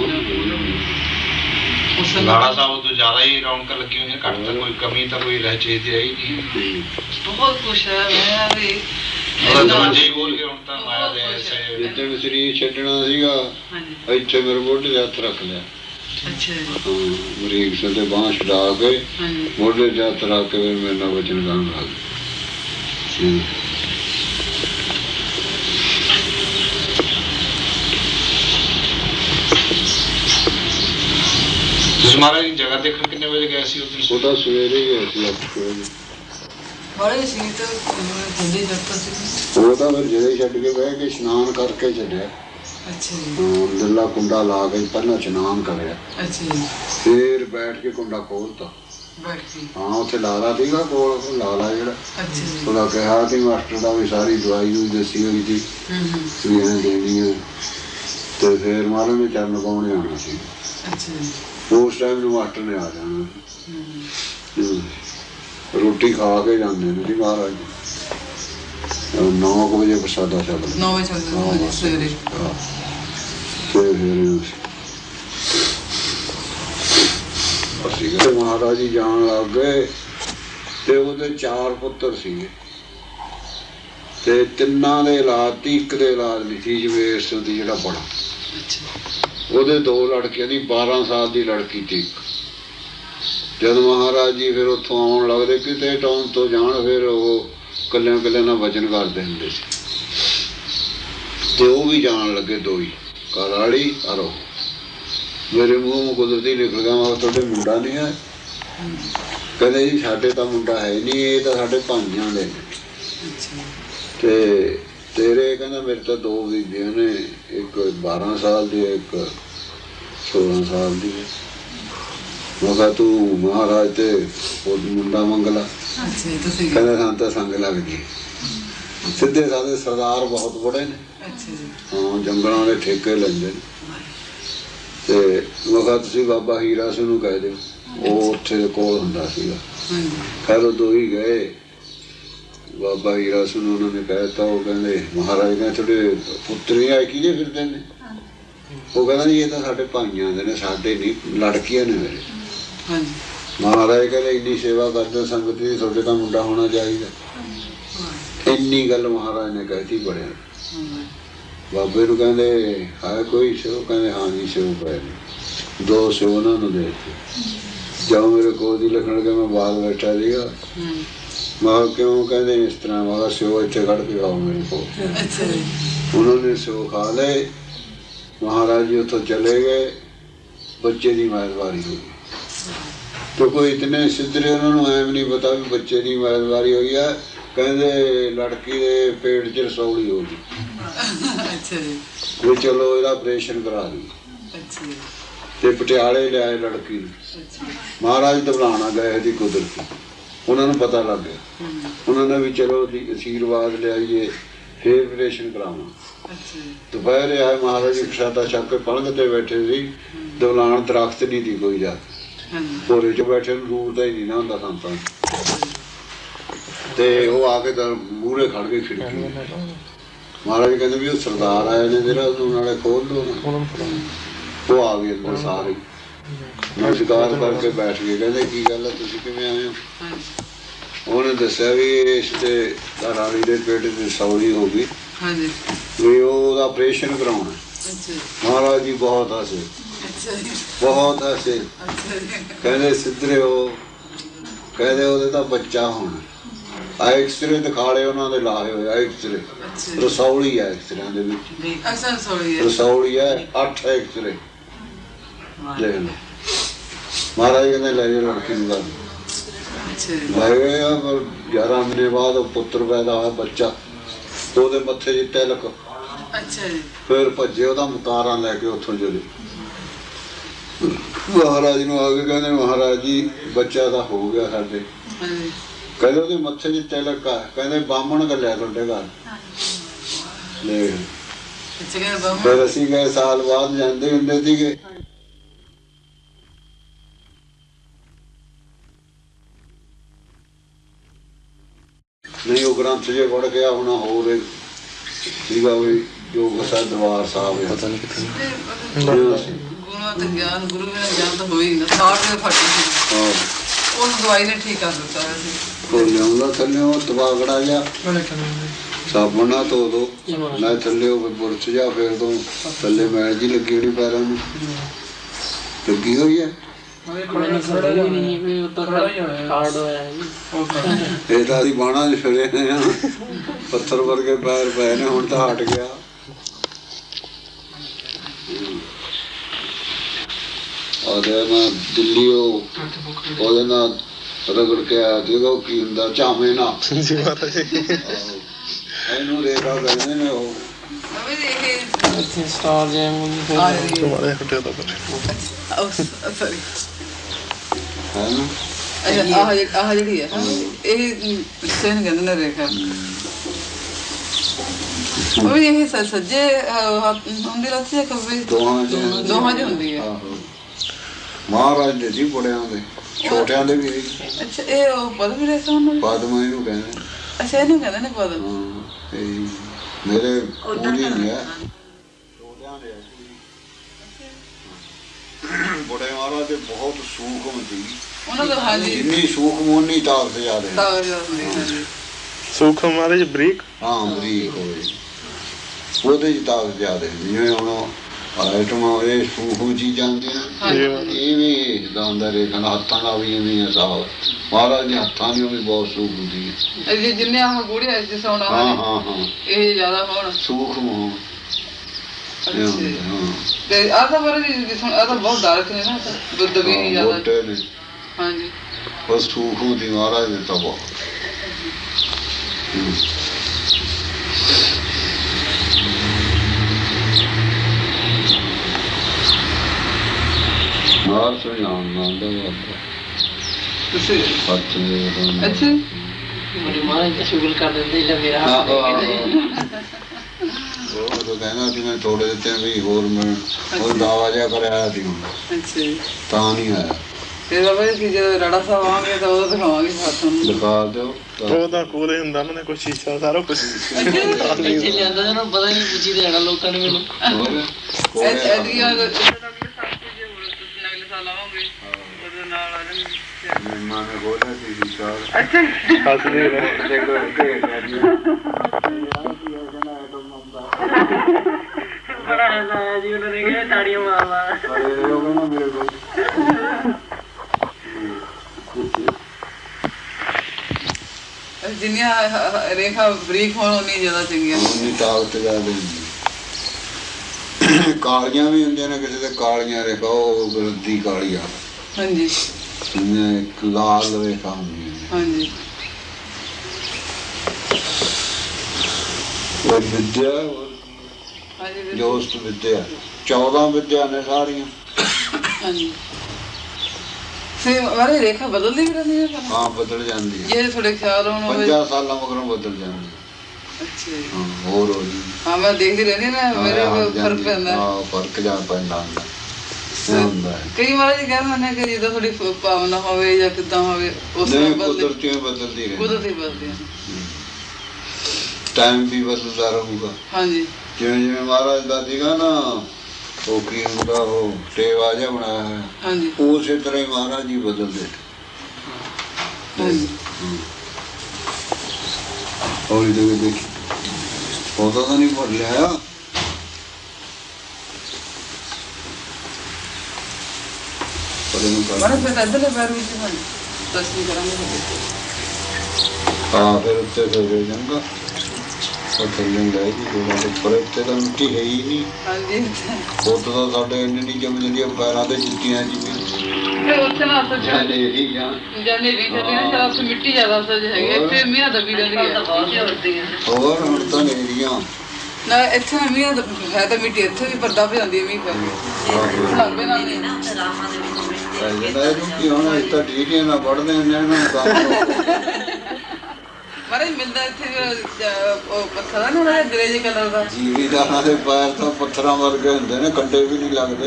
C: ਲਾੜਾ ਸਾਹਿਬ ਤੋਂ ਜ਼ਿਆਦਾ ਹੀ ਰੌਣਕਾਂ ਲੱਗੀਆਂ ਹੋਈਆਂ ਘੱਟ ਤਾਂ ਕੋਈ ਕਮੀ ਤਾਂ ਕੋਈ ਰਹਿ ਚੀਜ਼ ਦੀ ਆਈ ਨਹੀਂ।
B: ਬਹੁਤ ਖੁਸ਼ ਹੈ ਮੈਂ ਵੀ
C: ਦਰਵਾਜ਼ੇ ਖੋਲ ਕੇ ਹੁਣ ਤਾਂ ਮਾਇਆ ਦੇ ਐਸੇ
A: ਜਿੱਦਣ ਸਰੀਰ ਛੱਡਣਾ ਸੀਗਾ ਇੱਥੇ ਮੇਰੇ ਮੋਢੇ 'ਤੇ ਹੱਥ ਰੱਖ ਲਿਆ
B: ਅੱਛਾ ਜੀ।
A: ਬਰੀਕ ਸੇ ਤੇ ਬਾਂਹ ਛਡਾ ਕੇ
B: ਹਾਂਜੀ
A: ਮੋਢੇ ਤੇ ਹੱਥ ਰੱਖ ਕੇ ਫਿਰ ਮੇਰੇ ਨਾਲ ਵਚਨ ਕਰਨ ਲੱਗ ਗਏ।
C: ਤੁਸੀਂ ਮਹਾਰਾਜ ਦੀ ਜਗ੍ਹਾ ਦੇਖਣ ਕਿੰਨੇ ਵਜੇ ਗਏ ਸੀ ਉਸ ਦਿਨ?
A: ਉਹ ਤਾਂ ਸਵੇਰੇ ਹੀ ਗਏ ਸੀ 8 ਵਜੇ।
B: ਬੜੇ ਸੀ ਤਾਂ ਜਲਦੀ ਜੱਟਾ ਸੀ।
A: ਉਹ ਤਾਂ ਫਿਰ ਜਿਹੜੇ ਛੱਡ ਕੇ ਬਹਿ ਕੇ ਇਸ਼ਨਾਨ ਕਰਕੇ ਚੱਲਿਆ।
B: ਅੱਛਾ ਜੀ।
A: ਲੱਲਾ ਕੁੰਡਾ ਲਾ ਕੇ ਪਹਿਲਾਂ ਇਸ਼ਨਾਨ ਕਰਿਆ,
B: ਅੱਛਾ ਜੀ।
A: ਫਿਰ ਬੈਠ ਕੇ ਕੁੰਡਾ ਖੋਲਤਾ।
B: ਬੈਠ ਕੇ।
A: ਹਾਂ ਉੱਥੇ ਲਾਲਾ ਸੀਗਾ ਕੋਲ, ਲਾਲਾ ਜਿਹੜਾ
B: ਅੱਛਾ ਜੀ।
A: ਉਹਦਾ ਕਿਹਾ ਸੀ ਮਾਸਟਰ ਦਾ ਵੀ ਸਾਰੀ ਦਵਾਈ ਦੂਈ ਦੱਸੀ ਹੋਈ ਸੀ ਵੀ ਐਂ ਦੇਣੀ ਹੈ। ਤੇ ਫਿਰ ਮਹਾਰਾਜ ਨੇ ਚਰਨ ਪਾਉਣੇ ਆਉਣਾ ਸੀ।
B: ਅੱਛਾ ਜੀ।
A: ਉਸ ਟਾਈਮ ਨੂੰ ਮਾਸਟਰ ਨੇ ਆ ਜਾਣਾ। ਰੋਟੀ ਖਾ ਕੇ ਜਾਂਦੇ ਨੇ ਜੀ ਮਹਾਰਾਜ ਜੀ। 9 ਵਜੇ ਪ੍ਰਸਾਦਾ ਛਕਦੇ।
B: 9 ਵਜੇ ਛਕਦੇ ਸਵੇਰੇ।
A: ਅਸੀਂ ਗਏ ਮਹਾਰਾਜ ਜੀ ਜਾਣ ਲੱਗ ਗਏ ਤੇ ਉਹਦੇ 4 ਪੁੱਤਰ ਸੀਗੇ ਤੇ ਤਿੰਨਾਂ ਦੇ ਔਲਾਦ ਤੀ, ਇੱਕ ਦੇ ਔਲਾਦ ਨਹੀਂ ਸੀ ਜਵੇਰ ਸਿੰਘ ਦੀ ਜਿਹੜਾ ਬੜਾ। ਉਹਦੇ 2 ਲੜਕੀਆਂ ਦੀ 12 ਸਾਲ ਦੀ ਲੜਕੀ ਤੀ। ਜਦ ਮਹਾਰਾਜ ਜੀ ਫਿਰ ਉੱਥੋਂ ਆਉਣ ਲੱਗਦੇ ਕਿਤੇ ਟਾਊਨ ਤੋਂ ਜਾਣ, ਫਿਰ ਉਹ ਕੱਲਿਆਂ ਕੱਲਿਆਂ ਨਾਲ ਵਚਨ ਕਰਦੇ ਹੁੰਦੇ ਸੀ ਤੇ ਉਹ ਵੀ ਜਾਣ ਲੱਗੇ 2 ਹੀ, ਕਾਲਾੜੀ ਅਰੋ। ਮੇਰੇ ਮੂੰਹ ਕੁਦਰਤੀ ਨਿਕਲ ਗਿਆ, ਮੈਂ ਤੁਹਾਡੇ ਮੁੰਡਾ ਨਹੀਂ ਹੈ? ਕਹਿੰਦੇ ਜੀ ਸਾਡੇ ਤਾਂ ਮੁੰਡਾ ਹੈ ਨਹੀਂ, ਇਹ ਤਾਂ ਸਾਡੇ ਭਾਈਆਂ ਦੇ ਨੇ। ਤੇ ਤੇਰੇ? ਕਹਿੰਦਾ ਮੇਰੇ ਤਾਂ 2 ਬੀਬੀਆਂ ਨੇ, ਇੱਕ 12 ਸਾਲ ਦੀ, ਇੱਕ 16 ਸਾਲ ਦੀ ਹੈ। ਮੈਂ ਕਿਹਾ ਤੂੰ ਮਹਾਰਾਜ ਤੇ ਉਹ ਮੁੰਡਾ ਮੰਗ ਲਾ। ਕਹਿੰਦਾ ਸਾਨੂੰ ਤਾਂ ਸੰਗ ਲੱਗਦੀ। ਸਿੱਧੇ ਸਾਦੇ ਸਰਦਾਰ ਬਹੁਤ ਬੜੇ ਨੇ, ਹਾਂ ਜੰਗਲਾਂ ਦੇ ਠੇਕੇ ਲੈਂਦੇ ਨੇ। ਤੇ ਮੈਂ ਕਿਹਾ ਤੁਸੀਂ ਬਾਬਾ ਹੀਰਾ ਸਿੰਘ ਨੂੰ ਕਹਿ ਦਿਓ, ਉਹ ਉੱਥੇ ਦੇ ਕੋਲ ਹੁੰਦਾ ਸੀਗਾ। ਖੈਰ ਉਹ 2 ਹੀ ਗਏ, ਬਾਬਾ ਹੀਰਾ ਸਿੰਘ ਨੂੰ ਉਹਨਾਂ ਨੇ ਕਹਿ ਦਿੱਤਾ। ਉਹ ਕਹਿੰਦੇ ਮਹਾਰਾਜ ਨੇ ਤੁਹਾਡੇ ਪੁੱਤਰ ਆਏ ਕਿਹਦੇ ਫਿਰਦੇ ਨੇ? ਉਹ ਕਹਿੰਦਾ ਜੀ ਇਹ ਤਾਂ ਸਾਡੇ ਭਾਈਆਂ ਦੇ ਨੇ, ਸਾਡੇ ਨਹੀਂ, ਲੜਕੀਆਂ ਨੇ ਮੇਰੇ। ਮਹਾਰਾਜ ਕਹਿੰਦੇ ਇੰਨੀ ਸੇਵਾ ਕਰਦੇ ਸੰਗਤ ਦੀ, ਤੁਹਾਡੇ ਤਾਂ ਮੁੰਡਾ ਹੋਣਾ ਚਾਹੀਦਾ। ਇੰਨੀ ਗੱਲ ਮਹਾਰਾਜ ਨੇ ਕਹਿਤੀ ਬੜਿਆ। ਬਾਬੇ ਨੂੰ ਕਹਿੰਦੇ ਹੈ ਕੋਈ ਸਿਓ? ਕਹਿੰਦੇ ਹਾਂ ਜੀ ਸਿਓ ਪਏ ਨੇ। 2 ਸਿਓ ਉਹਨਾਂ ਨੂੰ ਦੇ ਦਿੱਤੇ। ਜਾਓ ਮੇਰੇ ਕੋਲ ਦੀ ਲਿਖਣ ਕੇ ਮੈਂ ਬਾਹਰ ਬੈਠਾ ਸੀਗਾ। ਮੈਂ ਕਿਉਂ? ਕਹਿੰਦੇ ਇਸ ਤਰ੍ਹਾਂ। ਮੈਂ ਕਿਹਾ ਸਿਓ ਇੱਥੇ ਕੱਢ ਕੇ ਆਓ ਮੇਰੇ ਕੋਲ। ਉਹਨਾਂ ਨੇ ਸਿਓ ਖਾ ਲਏ। ਮਹਾਰਾਜ ਜੀ ਉੱਥੋਂ ਚਲੇ ਗਏ। ਬੱਚੇ ਦੀ ਮੈਦਵਾਰੀ ਹੋ ਗਈ। ਤੇ ਕੋਈ ਇਤਨੇ ਸਿੱਧਰੇ, ਉਹਨਾਂ ਨੂੰ ਐਂ ਵੀ ਨਹੀਂ ਪਤਾ ਵੀ ਬੱਚੇ ਦੀ ਮੈਦਵਾਰੀ ਹੋਈ ਆ। ਕਹਿੰਦੇ ਲੜਕੀ ਦੇ ਪੇਟ 'ਚ ਰਸੌਲੀ ਹੋ ਗਈ ਵੀ ਚਲੋ ਇਹਦਾ ਆਪਰੇਸ਼ਨ ਕਰਾ ਲਈ। ਤੇ ਪਟਿਆਲੇ ਲਿਆਏ ਲੜਕੀ ਨੂੰ। ਮਹਾਰਾਜ ਦਬਲਾਣਾ ਗਏ ਦੀ ਕੁਦਰਤੀ, ਉਹਨਾਂ ਨੂੰ ਪਤਾ ਲੱਗ ਗਿਆ। ਉਹਨਾਂ ਨੇ ਵੀ ਚਲੋ ਅਸ਼ੀਰਵਾਦ ਲਿਆਈਏ, ਫੇਰ ਆਪਰੇਸ਼ਨ ਕਰਾਵਾਂ। ਦੁਪਹਿਰੇ ਆਏ ਮਹਾਰਾਜ ਜੀ, ਪ੍ਰਸ਼ਾਦਾ ਛਕ ਕੇ ਪਲੰਘ ਤੇ ਬੈਠੇ ਸੀ। ਦਬਲਾਣ ਦਰਖਤ ਨਹੀਂ ਦੀ ਕੋਈ ਜਾ ਕੇ, ਭੋਰੇ 'ਚ ਬੈਠੇ ਨੂੰ ਦੂਰ ਦਾ ਹੀ ਨਹੀਂ ਨਾ ਹੁੰਦਾ ਸੰਤਾਂ। ਤੇ ਉਹ ਆ ਕੇ ਮੂਹਰੇ ਖੜ ਗਏ ਖਿੜਕੀ। ਮਹਾਰਾਜ ਕਹਿੰਦੇ ਵੀ ਉਹ ਸਰਦਾਰ ਆਏ ਨੇ ਜਿਹੜਾ, ਉਹਨੂੰ ਨਾਲੇ ਖੋਲ ਲਓ। ਉਹ ਆ ਗਏ ਅੰਦਰ ਸਾਰੇ, ਨਮਸਕਾਰ ਕਰਕੇ ਬੈਠ ਗਏ। ਕਹਿੰਦੇ ਕੀ ਗੱਲ ਹੈ, ਤੁਸੀਂ ਕਿਵੇਂ ਆਏ ਹੋ? ਉਹਨੇ ਦੱਸਿਆ ਵੀ ਇਸ ਤੇ ਰਾਣੀ ਦੇ ਪੇਟ 'ਚ ਰਸੌਲੀ ਹੋ ਗਈ ਵੀ ਉਹਦਾ ਆਪਰੇਸ਼ਨ ਕਰਾਉਣਾ। ਮਹਾਰਾਜ ਜੀ ਬਹੁਤ ਹੱਸੇ, ਬਹੁਤ ਹੱਸੇ। ਕਹਿੰਦੇ ਸਿੱਧਰੇ ਹੋ, ਕਹਿੰਦੇ ਉਹਦੇ ਤਾਂ ਬੱਚਾ ਹੋਣਾ। ਐਕਸਰੇ ਦਿਖਾ ਲਏ ਉਹਨਾਂ ਦੇ ਲਾਏ ਹੋਏ ਐਕਸਰੇ। ਰਸੌਲੀ ਹੈ ਐਕਸਰਿਆਂ ਦੇ ਵਿੱਚ, ਰਸੌਲੀ ਹੈ 8 ਐਕਸਰੇ ਦੇਖ ਲਓ। ਮਹਾਰਾਜ ਕਹਿੰਦੇ ਲੈ ਜਾਓ ਲੜਕੀ ਨੂੰ ਗੱਲ। ਲੈ ਗਏ ਆ। 11 ਮਹੀਨੇ ਬਾਅਦ ਉਹ ਪੁੱਤਰ ਪੈਦਾ ਹੋਇਆ, ਬੱਚਾ। ਉਹਦੇ ਮੱਥੇ 'ਚ ਤਿਲਕ। ਫਿਰ ਭੱਜੇ, ਉਹਦਾ ਮੁਤਾਰਾ ਲੈ ਕੇ ਉੱਥੋਂ ਚਲੇ। ਮਹਾਰਾਜ ਨੂੰ ਆ ਕੇ ਕਹਿੰਦੇ ਮਹਾਰਾਜ ਜੀ ਬੱਚਾ ਤਾਂ ਹੋ ਗਿਆ ਸਾਡੇ। ਕਹਿੰਦੇ ਉਹਦੇ ਮੱਥੇ 'ਚ ਤਿਲਕ ਆ। ਕਹਿੰਦੇ ਬਾਹਮਣ ਘੱਲਿਆ ਤੁਹਾਡੇ ਘਰ। ਫਿਰ ਅਸੀਂ ਗਏ, ਸਾਲ ਬਾਅਦ ਜਾਂਦੇ ਹੁੰਦੇ ਸੀਗੇ। ਨਹੀਂ ਉਹ ਗ੍ਰੰਥ ਜੇ ਵੜ ਗਿਆ ਹੋਣਾ ਹੋਰ ਸੀਗਾ ਵੀ ਜੋ ਗੁਰਸਾ ਦਰਬਾਰ ਸਾਹਿਬ ਹੈ। ਪਤਾ ਨਹੀਂ ਕਿੱਥੇ ਗਿਆਨ ਗੁਰੂ ਨੇ ਗਿਆਨ ਤਾਂ ਹੋਈ ਨਾ। 60 ਦੇ ਫਟ ਸੀ। ਉਹ ਦਵਾਈ ਨੇ ਠੀਕ ਕਰ ਦਿੱਤਾ ਸੀ। ਉਹ ਲਿਆਉਂਦਾ ਥੱਲੇ ਉਹ ਤਬਾਗੜਾ ਜਿਹਾ ਸਾਬਣ ਨਾਲ ਧੋ ਦੋ ਨਾ ਥੱਲੇ ਉਹ ਬੁਰਸ਼ ਜਾ, ਫੇਰ ਤੋਂ ਥੱਲੇ ਮੈਲ ਜੀ ਲੱਗੀ ਹੋਣੀ ਪੈਰਾਂ ਨੂੰ। ਲੱਗੀ ਹੋਈ ਹੈ।
D: ਮੈਨੂੰ ਸਮਝ ਹੀ ਨਹੀਂ ਵੀ ਉੱਤੋਂ ਕਾਰਡ ਹੋਇਆ ਜੀ।
A: ਇਹ ਤਾਂ ਅਸੀਂ ਬਾਣਾ 'ਚ ਫਿਰੇ ਨੇ ਆ, ਪੱਥਰ ਵਰਗੇ ਪੈਰ ਪਏ ਨੇ, ਹੁਣ ਤਾਂ ਹਟ ਗਿਆ। ਉਹਦੇ ਨਾਲ ਦਿੱਲੀ ਉਹਦੇ ਨਾਲ ਰਗੜ ਕੇ ਆਇਆ ਸੀਗਾ, ਉਹ ਕੀ ਹੁੰਦਾ ਝਾਵੇਂ ਨਾ
E: ਜੀ ਮਹਾਰਾਜ ਜੀ।
A: ਇਹਨੂੰ ਰੇਖਾ ਕਹਿੰਦੇ ਨੇ ਉਹ।
D: ਇੱਥੇ ਸਟਾਰ ਜੈਮ
E: ਤੁਹਾਡੇ ਹੱਟਿਆ ਤਾਂ ਪਰ
B: ਸੌਰੀ
A: ਹੈ ਨਾ
B: ਆਹ ਜਿਹੜੀ ਹੈ ਇਹ ਸੇਨ ਕਹਿੰਦੇ ਨੇ ਰੇਖਾ। ਉਹ ਵੀ ਇਹ ਸੱਜੇ ਹੁੰਦੀ ਰੱਸੀ ਹੈ ਖੱਬੇ ਦੋਹਾਂ 'ਚ ਹੁੰਦੀ ਹੈ।
A: ਮਹਾਰਾਜ ਦੇ ਜੀ ਬੜਿਆਂ ਦੇ, ਛੋਟਿਆਂ ਦੇ ਵੀ ਹੈ।
B: ਅੱਛਾ ਇਹ ਉਹ ਪਦਮ ਰੇਖਾ ਉਹਨੂੰ
A: ਪਦਮ ਇਹਨੂੰ ਕਹਿੰਦੇ।
B: ਅੱਛਾ ਇਹਨੂੰ ਕਹਿੰਦੇ ਨੇ ਪਦਮ।
A: ਹਾਂ ਇਹ ਮੇਰੇ ਉਹਦੀ ਨਹੀਂ ਹੈ, ਛੋਟਿਆਂ ਦੇ ਹੈ। ਬੜੇ ਮਹਾਰਾਜ ਦੇ ਬਹੁਤ ਸੂਖਮ ਸੀ
B: ਉਹਨਾਂ ਦਾ। ਹਾਂਜੀ
A: ਜਿੰਨੀ ਸੂਖਮ ਉਨੀ ਤਾਕਤ ਜ਼ਿਆਦਾ।
E: ਸੂਖਮ ਮਹਾਰਾਜ ਬਰੀਕ।
A: ਹਾਂ ਬਰੀਕ ਹੋਵੇ ਉਹਦੇ 'ਚ ਤਾਕਤ ਜ਼ਿਆਦਾ। ਜਿਵੇਂ ਹੁਣ ਆਈਟਮ ਇਹ ਸੂਖਮ ਚੀਜ਼ਾਂ ਹੁੰਦੀਆਂ ਇਵੇਂ ਇਸਦਾ ਹੁੰਦਾ ਰੇਖਾ ਹੱਥਾਂ ਦਾ ਵੀ ਇਵੇਂ ਹਿਸਾਬ। ਮਹਾਰਾਜ ਦੇ ਹੱਥਾਂ ਦੀ ਵੀ ਬਹੁਤ ਸੂਖ ਹੁੰਦੀ ਹੈ।
B: ਜਿੰਨੇ ਆਹ ਗੂੜੀਆਂ ਜਿਸ ਹੋਣਾ
A: ਹਾਂ ਹਾਂ ਹਾਂ
B: ਇਹ ਜ਼ਿਆਦਾ ਹੋਣ
A: ਸੂਖਮ ਹੋਣ।
B: ਤੇ ਆਹ ਤਾਂ ਬਾਰੇ ਆਹ ਤਾਂ ਬਹੁਤ ਡਾਰਕ ਨੇ ਨਾ, ਦੁੱਧ ਵੀ ਨਹੀਂ ਜ਼ਿਆਦਾ।
A: ਮੋਟੇ ਨੇ
B: ਹਾਂਜੀ
A: ਬਸ ਸੂਖਮ ਦੀ ਮਹਾਰਾਜ ਦੇ ਤਾਂ ਬਹੁਤ। ਮਾਰ ਸੁਣਾਉਣ ਨਾਲ ਦਾ
B: ਤੁਸੀਂ
A: ਪੱਤ ਨੇ।
B: ਅੱਛਾ
D: ਮੇਰੇ ਮਹਾਰਾਜ ਤਾਂ ਸ਼ੁਗਲ ਕਰ ਦਿੰਦੇ ਲੈ ਮੇਰਾ ਹੱਥ
A: ਉਹ ਤਾਂ ਕਹਿੰਦਾ ਸੀ ਮੈਂ ਥੋੜੇ ਦਿੱਤੇ ਵੀ ਹੋਰ ਮੈਂ ਉਹ ਦਾਵਾ ਜਿਹਾ ਕਰਿਆ ਸੀ
B: ਅੱਛਾ
A: ਤਾਂ ਨਹੀਂ ਆਇਆ।
B: ਤੇ ਬਾਬਾ ਜੀ ਜਦੋਂ ਰਾੜਾ ਸਾਹਿਬ ਆਵਾਂਗੇ ਤਾਂ ਉਦੋਂ ਦਿਖਾਵਾਂਗੇ ਹੱਥ ਨੂੰ।
A: ਦਿਖਾ ਦਿਓ।
E: ਉਹ ਤਾਂ ਕੋਲੇ ਹੁੰਦਾ ਉਹਨਾਂ ਨੇ ਕੋਈ ਸ਼ੀਸ਼ਾ ਸਾਰਾ ਕੁਝ।
D: ਇੱਥੇ ਲਿਆਂਦਾ ਇਹਨਾਂ ਨੂੰ ਪਤਾ ਨਹੀਂ ਪੁੱਛੀ ਦੇਣਾ ਲੋਕਾਂ ਨੇ ਮੈਨੂੰ।
B: ਐਡੀਆਂ ਅਗਲੇ ਸਾਲ ਆਵਾਂਗੇ ਉਹਦੇ ਨਾਲ ਆ ਜਾਣਗੇ।
A: ਮਹਿਮਾਨ ਨੇ ਬੋਲਿਆ ਸੀ ਵਿਚਾਰ
B: ਅੱਛਾ
E: ਹੱਸਦੇ ਨੇ।
A: ਦੇਖੋ ਕਿ
D: ਬੜਾ ਹਸਾਇਆ ਜੀ ਉਹਨਾਂ ਨੇ ਕਿਹਾ ਤਾੜੀਆਂ ਮਾਰ ਮਾਰ।
A: ਮੇਰੇ ਕੋਲ
B: ਜਿੰਨੀਆਂ ਰੇਖਾ ਬਰੀਕ ਹੋਣ ਉਨੀ ਜ਼ਿਆਦਾ ਚੰਗੀਆਂ।
A: ਉਨੀ ਤਾਕਤ ਜ਼ਿਆਦਾ ਹੁੰਦੀ। ਕਾਲੀਆਂ ਵੀ ਹੁੰਦੀਆਂ ਨੇ, ਕਿਸੇ ਦੇ ਕਾਲੀਆਂ ਰੇਖਾ ਉਹ ਗਲਤੀ ਕਾਲੀ ਆ।
B: ਹਾਂਜੀ
A: ਇੱਕ ਲਾਲ ਰੇਖਾ ਹੁੰਦੀ ਹੈ।
B: ਹਾਂਜੀ
A: ਉਹ ਵਿਦਿਆ
B: ਹਾਂਜੀ
A: ਜੋਸਤ ਵਿਦਿਆ 14 ਵਿਦਿਆ ਨੇ ਸਾਰੀਆਂ।
B: ਹਾਂਜੀ ਸੇ ਵਾਰੇ ਰੇਖਾ ਬਦਲਦੀ ਵੀ ਰਹਿੰਦੀ ਹੈ।
A: ਹਾਂ ਬਦਲ ਜਾਂਦੀ ਹੈ।
B: ਜੇ ਥੋੜੇ ਖਿਆਲ ਹੋਣ ਹੋਵੇ
A: 50 ਸਾਲਾਂ ਮਗਰੋਂ ਬਦਲ ਜਾਂਦੀ ਹੈ।
B: ਅੱਛਾ ਜੀ।
A: ਹਾਂ ਹੋਰ ਹੋ ਜੀ।
B: ਹਾਂ ਮੈਂ ਦੇਖਦੀ ਰਹਿੰਦੀ ਨਾ ਮੇਰੇ ਕੋਲ ਫਰਕ ਪੈਂਦਾ।
A: ਹਾਂ ਫਰਕ ਜਾਂ ਪੈਂਦਾ ਹੁੰਦਾ ਹੈ।
B: ਕਈ ਵਾਰ ਜੀ ਕਹਿੰਦੇ ਨੇ ਕਿ ਜਦੋਂ ਥੋੜੀ ਭਾਵਨਾ ਹੋਵੇ ਜਾਂ ਕਿੱਦਾਂ ਹੋਵੇ ਉਸ
A: ਨਹੀਂ
B: ਨਾਲ
A: ਕੁਦਰਤੀ ਬਦਲਦੀ ਰਹਿੰਦੀ।
B: ਕੁਦਰਤੀ ਬਦਲਦੀ ਹੈ।
A: ਟਾਈਮ ਵੀ ਬਦਲਦਾ ਰਹੂਗਾ।
B: ਹਾਂਜੀ
A: ਜਿਵੇਂ ਜਿਵੇਂ ਮਹਾਰਾਜ ਦਾ ਸੀਗਾ ਨਾ ਉਹ ਕੀ ਹੁੰਦਾ ਉਹ ਟੇਵਾ ਜਿਹਾ ਬਣਾਇਆ ਹੈ।
B: ਹਾਂਜੀ
A: ਉਸੇ ਤਰ੍ਹਾਂ ਹੀ ਮਹਾਰਾਜ ਜੀ ਬਦਲਦੇ।
B: ਹਾਂਜੀ
A: ਹੌਲੀ ਦੇ ਦੇਖੀ ਉਹਦਾ ਤਾਂ ਨਹੀਂ ਭੁੱਲ ਲਿਆ।
B: ਮਾਰੇ ਫਿਰ ਇੱਧਰਲੇ ਪੈਰ ਵਿੱਚ ਬਣ ਤਸਵੀਰ ਕਰਾਂਗੇ।
A: ਹਾਂ ਫਿਰ ਉੱਤੇ ਫਿਰ ਜਾਂਗਾ ਉਹ ਥੱਲੇ ਲੈ ਜੀ ਉੱਪਰ ਉੱਤੇ ਤਾਂ ਮਿੱਟੀ ਹੈ ਹੀ ਨਹੀਂ।
B: ਹਾਂਜੀ
A: ਉੱਤ ਤਾਂ ਸਾਡੇ ਇੰਨੀ ਨਹੀਂ ਜੰਮ ਜਾਂਦੀਆਂ ਪੈਰਾਂ ਤੇ ਜੁੱਤੀਆਂ ਜਿਵੇਂ।
B: ਫਿਰ ਉੱਥੇ ਨਾ ਅਸਲ
A: ਜਾਨੇ ਹੀ ਜਾਂ
B: ਜਾਨੇ ਵੀ ਚੱਲੇ ਨਾ ਜਾਂ ਉੱਥੇ ਮਿੱਟੀ ਜ਼ਿਆਦਾ ਅਸਲ ਹੈਗੀ। ਇੱਥੇ ਮੀਂਹ ਦਬੀ ਰਹਿੰਦੀ ਹੈ।
A: ਹੋਰ ਹੁਣ ਤਾਂ ਨੇਰੀਆਂ
B: ਨਾ ਇੱਥੇ ਮੀਂਹ ਹੈ ਤਾਂ ਮਿੱਟੀ ਇੱਥੇ ਵੀ ਪਰਦਾ ਹੋ ਜਾਂਦੀ ਹੈ ਮੀਂਹ ਪੈ ਲੱਭੇ ਨਾਲ ਨਹੀਂ ਨਾ।
A: ਜਿਹੜਾ ਕੀ ਹੋਣਾ ਇਸ ਤਾਂ ਡੀਟੀਆਂ ਨਾਲ ਪੜਦੇ ਹੁੰਦੇ ਨੇ ਕੰਮ।
B: ਮਾਰੇ ਮਿਲਦਾ ਇੱਥੇ ਉਹ ਪੱਥਰ ਆ ਨਾ ਉਹਦਾ ਗ੍ਰੇ ਜਿਹੇ ਕਲਰ ਦਾ।
A: ਜੀਵੀਦਾਰਾਂ ਦੇ ਪੈਰ ਤਾਂ ਪੱਥਰਾਂ ਵਰਗੇ ਹੁੰਦੇ ਨੇ, ਕੰਡੇ ਵੀ ਨਹੀਂ ਲੱਗਦੇ।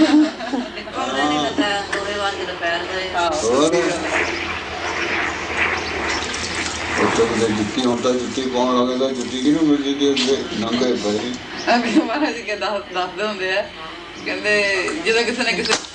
A: ਹੋਰ ਉੱਥੇ ਦੇ ਜੁੱਤੀ ਹੁਣ ਤਾਂ ਜੁੱਤੀ ਪਾਉਣ ਲੱਗੇ ਤਾਂ ਜੁੱਤੀ ਕਿਹਨੂੰ ਮਿਲਦੀ ਦੀ ਅੱਗੇ ਨੰਗੇ ਪਏ।
B: ਅੱਗੇ ਮਹਾਰਾਜ ਜੀ ਦੱਸਦੇ ਹੁੰਦੇ ਆ ਕਹਿੰਦੇ ਜਦੋਂ ਕਿਸੇ ਨੇ ਕਿਸੇ